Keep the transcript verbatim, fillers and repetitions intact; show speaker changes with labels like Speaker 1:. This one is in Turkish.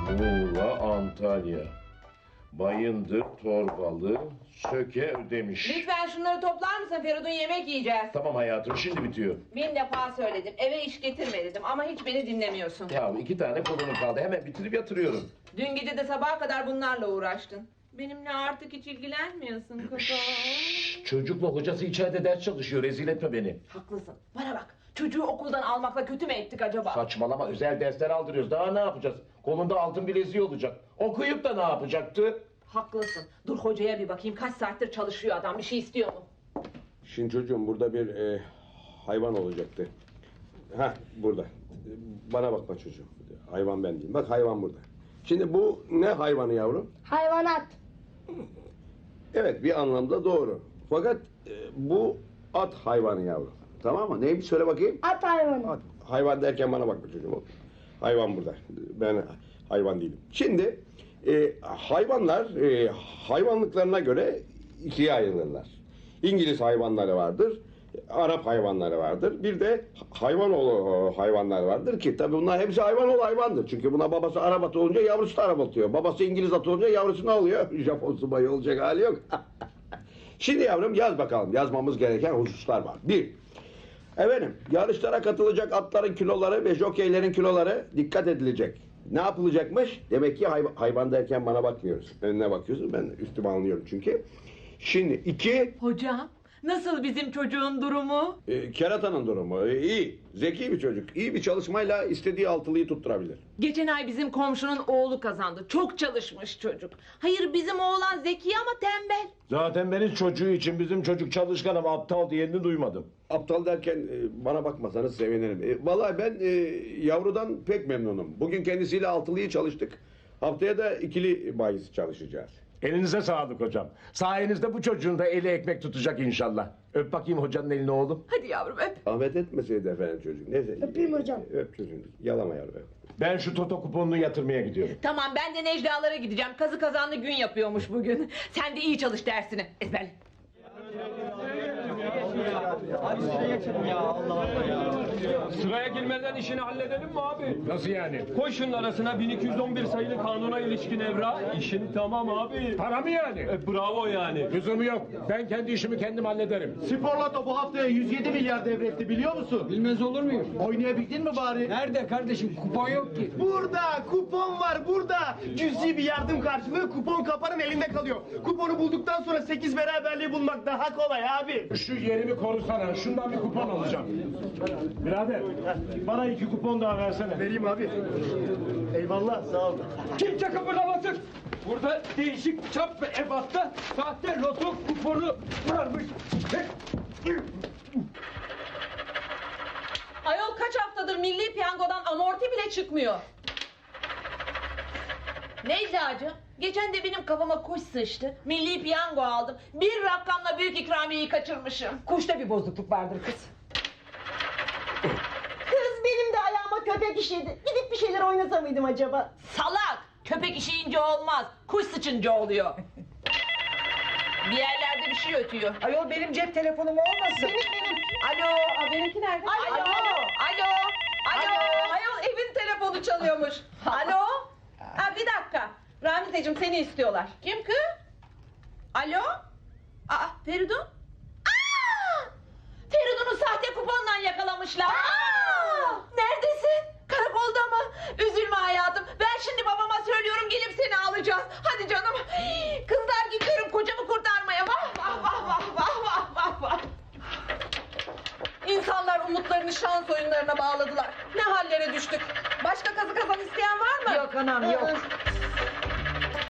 Speaker 1: Muğla, Antalya. Bayındır, Torbalı, Söke, Ödemiş.
Speaker 2: Lütfen şunları toplar mısın Feridun, yemek yiyeceğiz.
Speaker 1: Tamam hayatım, şimdi bitiyor.
Speaker 2: Bin defa söyledim, eve iş getirme dedim ama hiç beni dinlemiyorsun.
Speaker 1: Ya iki tane kolunu kaldı, hemen bitirip yatırıyorum.
Speaker 2: Dün gece de sabaha kadar bunlarla uğraştın. Benimle artık hiç ilgilenmiyorsun kızım.
Speaker 1: Şşş, çocukla hocası içeride ders çalışıyor, rezil etme beni.
Speaker 2: Haklısın, bana bak. Çocuğu okuldan almakla kötü mü ettik acaba?
Speaker 1: Saçmalama, özel dersler aldırıyoruz, daha ne yapacağız? Kolunda altın bileziği olacak. Okuyup da ne yapacaktı?
Speaker 2: Haklısın. Dur hocaya bir bakayım, kaç saattir çalışıyor adam, bir şey istiyor mu?
Speaker 3: Şimdi çocuğum burada bir e, hayvan olacaktı. Ha burada. Bana bakma çocuğum. Hayvan ben değilim. Bak hayvan burada. Şimdi bu ne hayvanı yavrum?
Speaker 4: Hayvanat.
Speaker 3: Evet bir anlamda doğru. Fakat e, bu at hayvanı yavrum. Tamam mı? Neymiş söyle bakayım.
Speaker 4: At hayvanı.
Speaker 3: At. Hayvan derken bana bakma çocuğum. Hayvan burada. Ben hayvan değilim. Şimdi e, hayvanlar e, hayvanlıklarına göre ikiye ayrılırlar. İngiliz hayvanları vardır. Arap hayvanları vardır. Bir de hayvanoğlu hayvanlar vardır ki tabii bunlar hepsi hayvanoğlu hayvandır. Çünkü buna babası Arap atı olunca yavrusu da Arap atıyor. Babası İngiliz atı olunca yavrusu ne oluyor? Japon subayı olacak hali yok. Şimdi yavrum yaz bakalım. Yazmamız gereken hususlar var. Bir, efendim yarışlara katılacak atların kiloları ve jokeylerin kiloları dikkat edilecek. Ne yapılacakmış? Demek ki hayvan, hayvan derken bana bakmıyoruz. Önüne bakıyorsun. Ben üstüme anlıyorum çünkü. Şimdi iki...
Speaker 2: Hocam, nasıl bizim çocuğun durumu?
Speaker 3: E, keratanın durumu e, iyi. Zeki bir çocuk. İyi bir çalışmayla istediği altılıyı tutturabilir.
Speaker 2: Geçen ay bizim komşunun oğlu kazandı. Çok çalışmış çocuk. Hayır, bizim oğlan zeki ama tembel.
Speaker 1: Zaten benim çocuğu için bizim çocuk çalışkan ama aptal diyenini duymadım.
Speaker 3: Aptal derken e, bana bakmasanız sevinirim. E, vallahi ben e, yavrudan pek memnunum. Bugün kendisiyle altılıyı çalıştık. Haftaya da ikili bahis çalışacağız.
Speaker 1: Elinize sağlık hocam. Sayenizde bu çocuğun da eli ekmek tutacak inşallah. Öp bakayım hocanın elini oğlum.
Speaker 2: Hadi yavrum öp.
Speaker 3: Ahmet etmeseydi efendim çocuk. Neyse.
Speaker 4: Öpeyim hocam.
Speaker 3: Öp çocuğunu. Yalama yavrum.
Speaker 1: Ben şu toto kuponunu yatırmaya gidiyorum.
Speaker 2: Tamam, ben de Necla'lara gideceğim. Kazı kazanlı gün yapıyormuş bugün. Sen de iyi çalış dersini. Ezberle.
Speaker 5: Abi sıraya geçelim ya, Allah Allah ya. Sıraya girmeden işini halledelim mi abi?
Speaker 1: Nasıl yani?
Speaker 5: Koy şunun arasına bin iki yüz on bir sayılı kanuna ilişkin evra. İşin tamam abi.
Speaker 1: Para mı yani?
Speaker 5: E, bravo yani.
Speaker 1: Lüzumu yok. Ben kendi işimi kendim hallederim.
Speaker 6: Spor Loto bu haftaya yüz yedi milyar devretti biliyor musun?
Speaker 5: Bilmez olur muyum?
Speaker 6: Oynayabildin mi bari?
Speaker 5: Nerede kardeşim? Kupon yok ki.
Speaker 6: Burada kupon var burada. Cüzi bir yardım karşılığı kupon kapanın elinde kalıyor. Kuponu bulduktan sonra sekiz beraberliği bulmak daha kolay abi.
Speaker 1: Şu yerimi korusana. Şundan bir kupon alacağım. Birader, bana iki kupon daha versene.
Speaker 6: Vereyim abi. Eyvallah sağ ol.
Speaker 5: Kimse kıpırdamasın. Burada değişik çap ve ebatta sahte loto kuponu varmış.
Speaker 2: Ayol, kaç haftadır milli piyangodan amorti bile çıkmıyor. Necla'cığım, geçen de benim kafama kuş sıçtı. Milli piyango aldım. Bir rakamla büyük ikramiyeyi kaçırmışım. Kuşta bir bozukluk vardır kız.
Speaker 4: Kız benim de ayağıma köpek işedi. Gidip bir şeyler oynasa mıydım acaba?
Speaker 2: Salak! Köpek işeyince olmaz. Kuş sıçınca oluyor. Bir yerlerde bir şey ötüyor.
Speaker 4: Ayol benim cep telefonum olmasın. Benim benim.
Speaker 2: Alo, a, benimki nerede?
Speaker 4: Alo.
Speaker 2: Alo, alo, alo. Ayol, evin telefonu çalıyormuş. Alo. Ha, bir dakika. Ramizeciğim, seni istiyorlar. Kim kız? Alo. Aa, Feridun. Aa! Feridun'u sahte kuponla yakalamışlar. Aa! Neredesin? Karakolda mı? Üzülme hayatım. Ben şimdi babama söylüyorum, gelip seni alacağız. Hadi canım. Kızlar, gidiyorum kocamı kurtarmaya. Vah vah vah vah vah vah vah vah. İnsanlar umutlarını şans oyunlarına bağladılar. Ne hallere düştük. Başka kazı kazan isteyen var mı?
Speaker 4: Yok anam yok.